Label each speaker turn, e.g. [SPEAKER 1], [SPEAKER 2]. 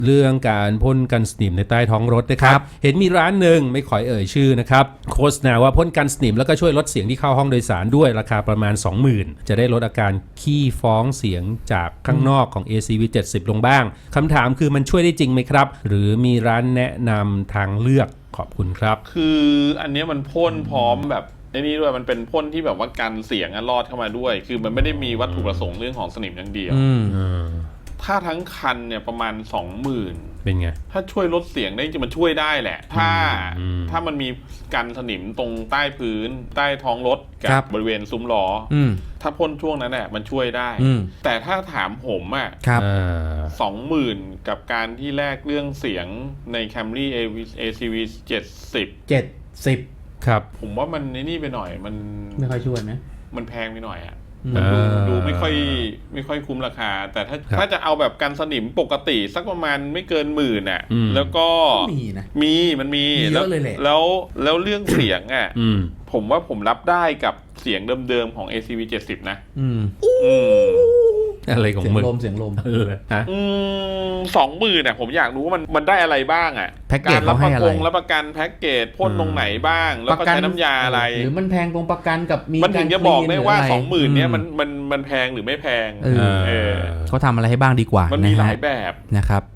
[SPEAKER 1] เรื่องการพ่นกันสนิมในใต้ท้องรถนะครับเห็นมีร้านหนึ่งไม่ขอเอ่ยชื่อนะครับโฆษณาว่าพ่นกันสนิมแล้วก็ช่วยลดเสียงที่เข้าห้องโดยสารด้วยราคาประมาณ 20,000 จะได้ลดอาการขี้ฟ้องเสียงจากข้างนอกของ ACV 70ลงบ้างคำถามคือมันช่วยได้จริงไหมครับหรือมีร้านแนะนำทางเลือกขอบคุณครับ
[SPEAKER 2] คืออันนี้มันพ่นพร้อมแบบไอ้นี่ด้วยมันเป็นพ่นที่แบบว่ากันเสียงรอดเข้ามาด้วยคือมันไม่ได้มีวัตถุประสงค์เรื่องของสนิมอย่างเดียวถ้าทั้งคันเนี่ยประมาณ 20,000
[SPEAKER 1] เป็นไง
[SPEAKER 2] ถ้าช่วยลดเสียงได้จริงมันช่วยได้แหละถ้ามันมีกันสนิมตรงใต้พื้นใต้ท้องรถกับบริเวณซุ้มล้อถ้าพ่นช่วงนั้นแหละมันช่วยได้แต่ถ้าถามผมอ่ะ20,000กับการที่แลกเรื่องเสียงใน Camry ACV 70
[SPEAKER 1] ครับ
[SPEAKER 2] ผมว่ามันนี่ไปหน่อยมัน
[SPEAKER 3] ไม่ค่อยช่วยไหม
[SPEAKER 2] มันแพงไปหน่อยอ่ะมันดูไม่ค่อยคุ้มราคาแต่ถ้าจะเอาแบบกันสนิมปกติสักประมาณไม่เกิน10,000อ่ะแล้วก็
[SPEAKER 3] มีนะ
[SPEAKER 2] มันมี
[SPEAKER 3] เยอะเลยแหละ
[SPEAKER 2] แล้วเรื่องเสียงอ่ะผมว่าผมรับได้กับเสียงเดิมๆของ ACV 70นะ
[SPEAKER 1] อะไรของมึง
[SPEAKER 3] เสียงลม
[SPEAKER 2] 20,000เนี่ยผมอยากรู้ว่ามันได้อะไรบ้างอ่ะ
[SPEAKER 3] การรับ
[SPEAKER 2] ประกันแพ็กเกจพ่นตรงไหนบ้างแล้วก็ใช้น้ำยาอะไร
[SPEAKER 3] หรือมันแพงตรงประกันกับมี
[SPEAKER 2] มันถึงจะบอกได้ว่า 20,000เนี่ยมันแพงหรือไม่แพง
[SPEAKER 3] เขาทำอะไรให้บ้างดีกว่า
[SPEAKER 2] มันมีหลายแบบ
[SPEAKER 3] นะครับ